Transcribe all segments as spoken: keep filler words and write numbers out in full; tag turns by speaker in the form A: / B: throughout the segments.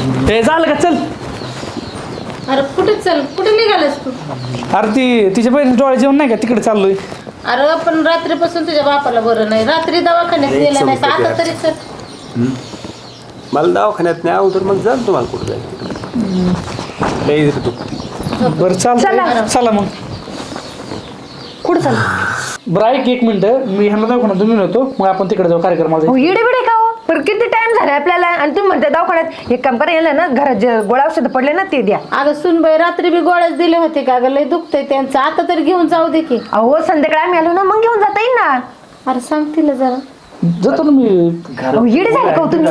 A: हे झालं का? चल.
B: अरे कुठे चल कुठे निघालास तू?
A: अरे ती तिच्या बहिणी डोळे जेवण नाही का तिकडे चाललोय.
B: अरे पण रात्रीपासून तुझ्या बापाला बरं नाही, रात्री दवाखान्यात गेला नाही, आता तरी चल.
C: मला दवाखान्यात नाही अगोदर मग जा तुम्हाला कुठं जायचं लई तू.
A: बरं चाल चला मग.
D: कुठं चाल?
A: बरं ऐक एक मिनिट, मी ह्यांना दवाखान्यात तुम्ही होतो, मग आपण तिकडे जाऊ कार्यक्रमाला.
D: हो इडे बिडे का हो? पण किती टाइम झाला आपल्याला आणि तुम्ही म्हणता दवाखान्यात. एक काम करा, यायला ना घरात जे गोळ्या औषध पडले ना ते द्या.
B: अगं सुनबाई रात्री बी गोळ्याच दिले होते का गं? लय दुखतंय त्यांचं, आता तरी घेऊन जाऊ दे की.
D: अहो संध्याकाळी आम्ही आलो ना मग घेऊन जाता येईल ना.
B: अरे सांगतील जरा.
A: जातो ना मी.
D: अहो इडे झाले का हो तुम्ही?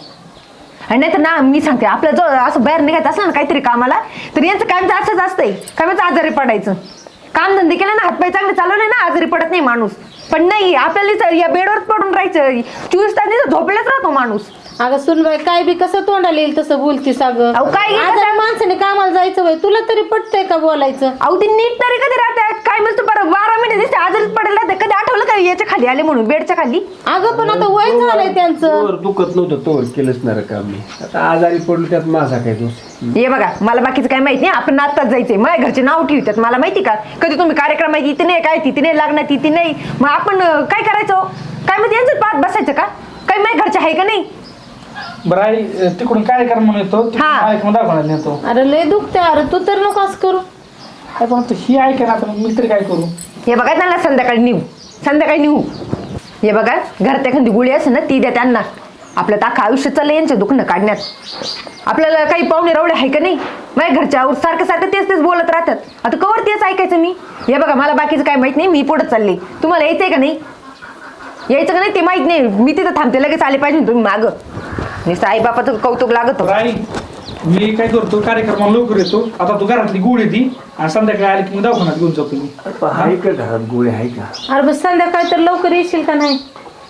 D: आणि नाही तर ना मी सांगते, आपल्या जवळ असं बाहेर निघायचं असलं ना काहीतरी कामाला, तर यांचं काम तर असंच असतंय, कामाचं आजारी पडायचं. काम धंदे केले ना, हातपाय चांगले चालवले ना, आजारी पडत नाही माणूस. पण नाही, आपल्याला या बेडवरच पडून राहायचं, चोवीस तास नाही झोपलेच राहतो माणूस.
B: अगं सुनबाई काय बी कसं तोंडाला येईल तसं बोलतीस अगं.
D: अहो काय
B: आजारी माणसाने कामाला जायचं वय, तुला तरी पटतंय का बोलायचं?
D: अहो ती नीट तरी कधी राहतात काय म्हणतो बरं, बारा महिने दिसते आजारीच पडायला राहते. कधी आठवलं का याच्या खाली आले म्हणून, बेडच्या खाली?
B: अगं पण आता वय झालंय त्यांचं.
C: दुखत नव्हतं तो केलंच नाही काम मी, आता आजारी पडलो त्यात माझा काय दोष.
D: हे बघा मला बाकीचं काय माहिती नाही, आपण आत्ताच जायचंय. माझ्या घरचे नाव ठेवतात मला माहिती का, कधी तुम्ही कार्यक्रम आहे तिथे नाही, काय तिथे नाही लागणार तिथे नाही, मग आपण काय करायचं? काय माहिती यांचं पाहत बसायचं का? काय माझ्या घरचे आहे का नाही?
A: बरं आई तिकडून कार्यक्रम म्हणून येतो, कार्यक्रम दवाखान्यात नेतो.
B: अरे लय दुखतंय, अरे तू तर नको असं करू.
A: पण आता ही ऐका ना, आता मी तरी काय करू?
D: हे बघा त्यांना संध्याकाळी नेऊ, संध्याकाळी नेऊ. हे बघा घरात एखादी गोळी असेल ना ती द्या त्यांना. आपलं अख्खं आयुष्य चाललं यांचं दुखणं काढण्यात. आपल्याला काही पाहुणे रवडे आहे का नाही? माझ्या घरच्या सारखं सारखं तेच तेच बोलत राहतात. आता कवर तेच ऐकायचं मी? हे बघा मला बाकीचं काय माहित नाही, मी पुढे चालले. तुम्हाला यायचंय का नाही? यायचं का नाही ते माहित नाही, मी तिथं थांबते, लगेच आले पाहिजे तुम्ही मागं. नुसतं आई बापाचं कौतुक लागत.
A: आई मी काय करतो, कार्यक्रमाला लवकर येतो. आता तू घरातली गोळी ती आणि संध्याकाळी आली की मी दवाखान्यात घेऊन जातो मी.
C: आहे का घरात गोळी आहे का?
B: अरे बस संध्याकाळी तर लवकर येशील का नाही?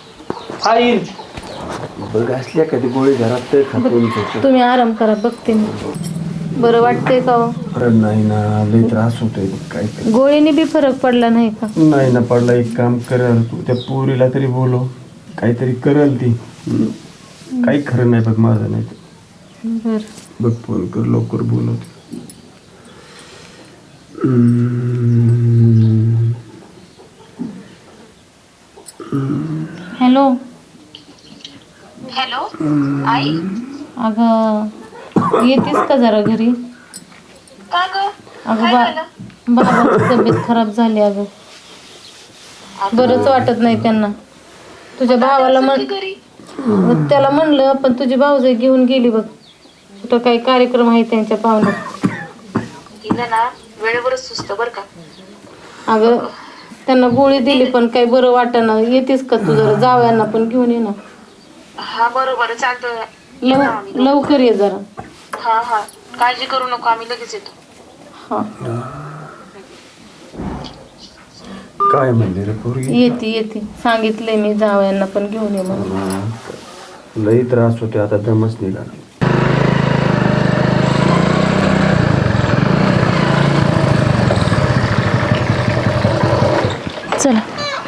A: आई
C: बघ असल्या कधी गोळी घरात तर खातून
B: तुम्ही आराम करा, बघते मी. बरं वाटतंय का?
C: नाही ना, लई त्रास होतोय. काय
B: गोळीने बी फरक पडला नाही का?
C: नाही ना पडला. एक काम करल तू, त्या पोरीला तरी बोलव, काहीतरी करल ती. काही खरं नाही बघ माझं. नाही
B: बर
C: बघ फोन कर लवकर बोलवते.
B: हॅलो
E: हॅलो आई.
B: अगं येतेस का जरा घरी?
E: का ग?
B: अगं बा बाबाची तब्येत खराब झाली. अगं बरंच वाटत नाही त्यांना. तुझ्या भावाला म्हण, त्याला म्हणलं पण तुझी भाऊजाई घेऊन गेली बघ. कुठं काही कार्यक्रम आहे त्यांच्या पाहुण्यात.
E: तिला ना वेळेवरच सुचतं बरं का.
B: अगं त्यांना गोळी दिली पण काही बरं वाटेना. येतेस का तू जरा? जावयांना पण घेऊन ये ना.
E: हा बरोबर चालतं.
B: लव लवकर ये जरा.
E: हा हा काळजी करू नको, आम्ही लगेच येतो.
B: हा
C: काय म्हणले रे पोरगी?
B: येते येते सांगितलंय मी, जावयांना पण घेऊन ये म्हणून.
C: लई त्रास होते, आता दमच निघाला.
B: चला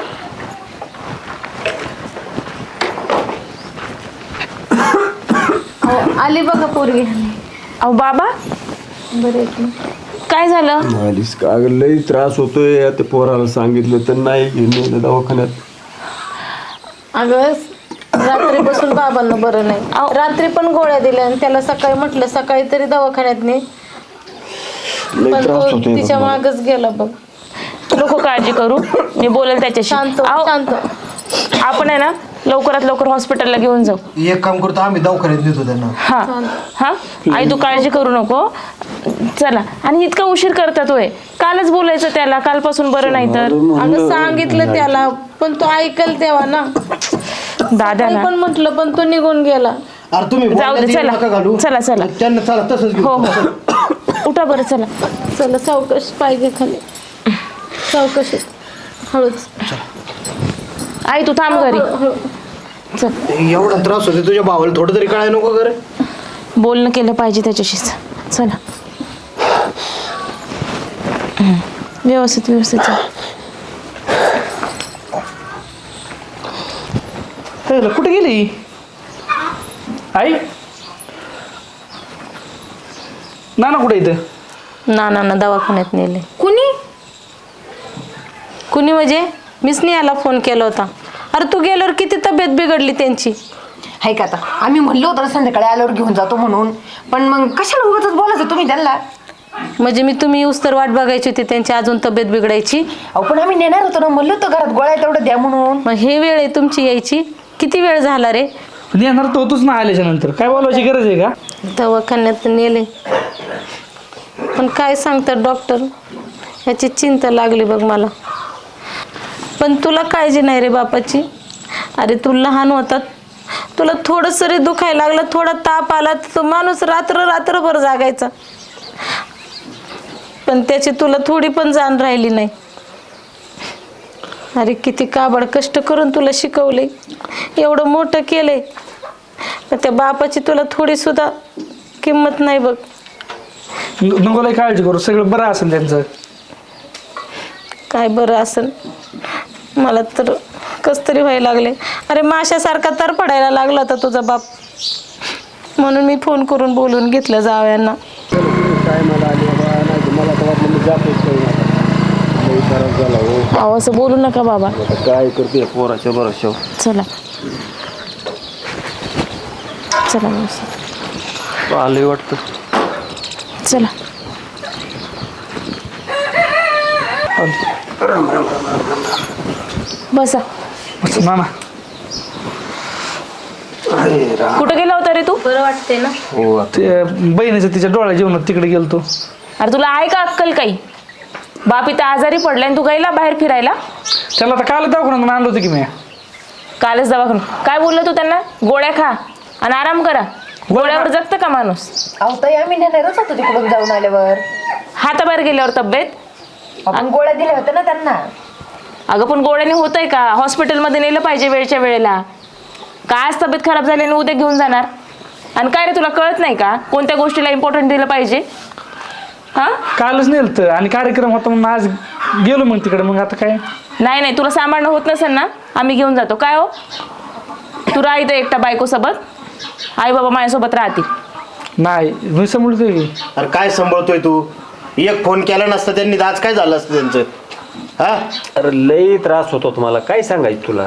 B: आली बघा पोरगी.
F: अहो बाबा
B: बरे
F: काय झालं?
C: मालिश का लई त्रास होतोय. आता पोराला सांगितलं तर नाही घेऊन दवाखान्यात.
B: अगं रात्रीपासून बाबांना बरं नाही. रात्री पण गोळ्या दिल्या आणि त्याला सकाळी म्हटलं सकाळी तरी दवाखान्यात ने, पण तो तिच्या मागच गेला बघ.
F: नको काळजी करू, मी बोलेल त्याच्याशी.
B: शांत
F: अहो,
B: शांत
F: आपण आहे ना लवकरात लवकर हॉस्पिटलला घेऊन जाऊ.
G: एक काम करतो, आम्ही दवाखान्यात नेतो त्यांना.
F: हा हा आई तू काळजी करू नको. चला. आणि इतका उशीर करतात होय? कालच बोलायचं त्याला, कालपासून बरं नाही तर.
B: अगं सांगितलं त्याला पण तो ऐकल तेव्हा ना.
F: दादाला
B: पण म्हटलं पण तो निघून गेला.
G: अरे तुम्ही
F: जाऊ दे, चला चला चला.
G: त्यांना चला तसंच घेऊ.
F: हो हो उठा बरं. चला
B: चला सावकाश पाहिजे खाली, सावकाश हळूच.
F: आई तू थांब घरी. चल
G: एवढा त्रास होते तुझ्या भावाला, थोडं तरी कळाय नको करे?
F: बोलणं केलं पाहिजे त्याच्याशीच. चला व्यवस्थित व्यवस्थित चल.
A: कुठे गेली आई? ना ना कुठे इथं
B: ना ना ना दवाखान्यात नेले.
D: कुणी?
B: कुणी म्हणजे मीच नाही याला फोन केला होता. अरे तू गेल्यावर किती तब्येत बिघडली त्यांची.
D: हाय का आता आम्ही म्हणलो होतं ना संध्याकाळी आल्यावर घेऊन जातो म्हणून, पण मग कशाला उगाच बोलायचं तुम्ही त्यांना?
B: म्हणजे मी तुम्ही येऊस तर वाट बघायची होती त्यांची, अजून तब्येत बिघडायची.
D: अहो पण आम्ही नेणार होतो ना, म्हणलो होतो घरात गोळ्या तेवढं द्या म्हणून.
B: मग हे वेळ आहे तुमची यायची. किती वेळ झाला रे.
A: येणार तर होतोच ना आल्याच्या नंतर, काय बोलायची गरज आहे का?
B: दवाखान्यात नेले पण काय सांगतात डॉक्टर, ह्याची चिंता लागली बघ मला. पण तुला काळजी नाही रे बापाची. अरे तू लहान होतात, तुला थोडंसं रे दुखायला लागलं, थोडा ताप आला तर तो माणूस रात्र रात्रभर जागायचा. पण त्याची तुला थोडी पण जाण राहिली नाही. अरे किती काबड कष्ट करून तुला शिकवले, एवढं मोठं केलंय, पण त्या बापाची तुला थोडी सुद्धा किंमत नाही बघ.
A: नको लय काळजी करू, सगळं बरं असेल त्यांचं.
B: काय बरं असेल, मला तर कस तरी व्हायला लागले. अरे माशासारखा तर पडायला लागला होता तुझा बाप, म्हणून मी फोन करून बोलून घेतलं जावयांना.
F: अहो असं बोलू नका बाबा.
C: काय करते पोराच्या बरोबर.
F: चला चला मावशी.
C: आलंय वाटतं.
F: चला. बसा.
A: ना ना
F: कुठं गेला होता रे तू?
B: बरं वाटते ना.
C: हो
A: ते बहिणीचं तिच्या डोळ्या जेवणात तिकडे गेलतो.
F: अरे तुला आहे का अक्कल काही? बाप इथं आजारी पडलाय आणि तू गेला बाहेर फिरायला?
A: त्याला आता काल दवाखान्यात आणलं होतं की मी.
F: कालच दवाखाना. काय बोलला तू त्यांना? गोळ्या खा आणि आराम करा. गोळ्यावर जगतं का माणूस?
D: अहो ताई आम्ही नेणारच होतो तिकडून जाऊन आल्यावर.
F: हाताबाहेर गेल्यावर तब्येत.
D: आपण गोळ्या दिल्या होत्या ना त्यांना.
F: अगं पण गोळ्याने होतंय का? हॉस्पिटलमध्ये नेलं पाहिजे वेळच्या वेळेला. का आज तब्येत खराब झाली आणि उद्या घेऊन जाणार? आणि काय रे तुला कळत नाही का कोणत्या गोष्टीला इम्पॉर्टंट दिलं पाहिजे? हा
A: कालच नेलतं आणि कार्यक्रम होता म्हणून आज गेलो मग तिकडे. मग आता काय
F: नाही नाही, तुला सांभाळणं होत नसेल ना, आम्ही घेऊन जातो. काय हो, तू राह इथं एकटा बायकोसोबत, आई बाबा माझ्यासोबत राहतील.
A: नाही मी समजतोय.
G: अरे काय सांभाळतोय तू? एक फोन केला नसता त्यांनी तर आज काय झालं असतं त्यांचं? हा
C: अरे लई त्रास होतो तुम्हाला, काय सांगायचं तुला.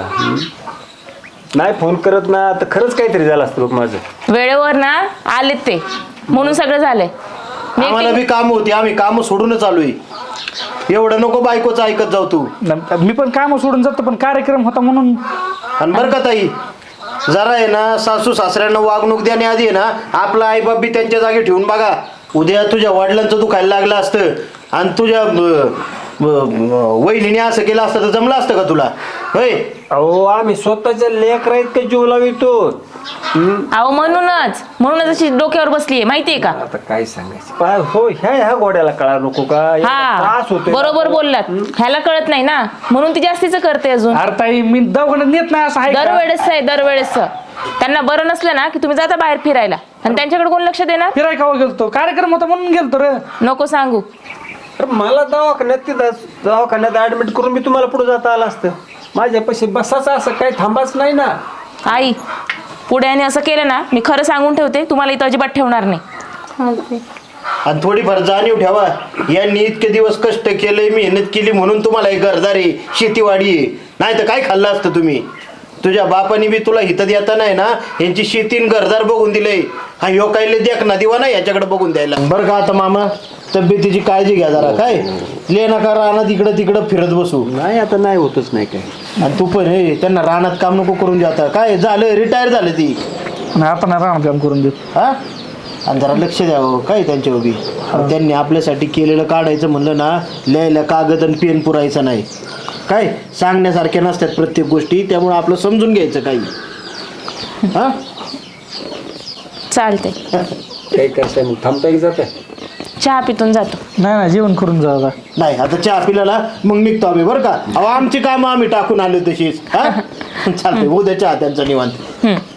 C: नाही फोन करत ना तर खरंच काहीतरी झालं असतं बघ माझं.
F: वेळेवर ना आलेत ते, म्हणून सगळं झालंय. मी
G: आम्हाला
F: एकटी-
G: बी काम होती, आम्ही काम सोडूनच आलोय. एवढं नको बायकोचं ऐकत जाऊ तू.
A: न- मी पण काम सोडून जातो, पण कार्यक्रम होता म्हणून.
G: आणि बरं का ताई, जरा आहे ना सासू सासऱ्यांना वागणूक देण्याआधी आहे ना आपला आईबाप बी त्यांच्या जागी ठेवून बघा. उद्या तुझ्या वडिलांचं दुखायला लागलं असतं आणि तुझ्या अं, अं, वहिनीने असं केलं असतं तर जमलं असतं का तुला? होय
C: अहो आम्ही स्वतःच्या लेकर आहेत का जीव लावितो.
F: अहो म्हणूनच म्हणूनच अशी डोक्यावर बसलीये माहितीये का?
C: आता काय सांगायचं पा- हो ह्या ह्या गोड्याला कळा नको का? एवढा
F: हा
C: त्रास होतोय.
F: बरोबर बोललात. ह्याला कळत नाही ना, म्हणून ती जास्तीच करते अजून.
A: अरे ताई मी दवाखान्यात नेत नाही असं आहे का?
F: दरवेळेस आहे दरवेळेस. त्यांना बरं नसलं ना की तुम्ही जाता बाहेर फिरायला आणि त्यांच्याकडे कोण लक्ष देणार?
A: फिराय खावा गेलतो, कार्यक्रम होता म्हणून गेलतो रे.
F: नको सांगू.
C: अरे मला दवाखान्यात तिथं दवाखान्यात ऍडमिट करून मी तुम्हाला पुढे जाता आलं असतं. माझ्यापाशी बसाचं असं काही थांबाच नाही ना.
F: आई पुढे आणि असं केलं ना, मी खरं सांगून ठेवते, तुम्हाला इथं अजिबात ठेवणार नाही.
B: चालते.
G: आणि थोडीफार जाणीव ठेवा. यांनी इतके दिवस कष्ट केले, मेहनत केली म्हणून तुम्हाला एक घरदारी शेतीवाडी आहे. नाही तर काय खाल्लं असतं तुम्ही? तुझ्या बापाने बी तुला हित देता नाही ना यांची शेतीन घरदार बघून दिले. हा ह्यो काही देख ना दिवा ना याच्याकडे बघून द्यायला. बरं का आता मामा, तब्येतीची काळजी घ्या जरा. काय ले नका रानात इकडं तिकडं फिरत बसू.
C: नाही आता नाही होतच नाही काय.
G: आणि तू पण हे त्यांना रानात काम नको करून जाता. काय झालं, रिटायर झालं ती.
A: नाही आता नाही राहणार काम करून देत.
G: हा आणि जरा लक्ष द्यावं काय त्यांच्या उभी. त्यांनी आपल्यासाठी केलेलं काढायचं म्हणलं ना, लिहायला कागद आणि पेन पुरायचं नाही. काय सांगण्यासारख्या नसतात प्रत्येक गोष्टी, त्यामुळे आपलं समजून घ्यायचं काही. हा
F: चालते.
C: काय करताय मग? थांबता की जाताय?
F: चहा पितून जातो.
A: नाही ना जेवण करून जा आता.
G: नाही आता चहा पिल्याला मग निघतो आम्ही बरं का. अहो आमची कामं आम्ही टाकून आलो तशीच. हा चालतंय, उद्या चहा त्यांचा निवांत.
F: हम्म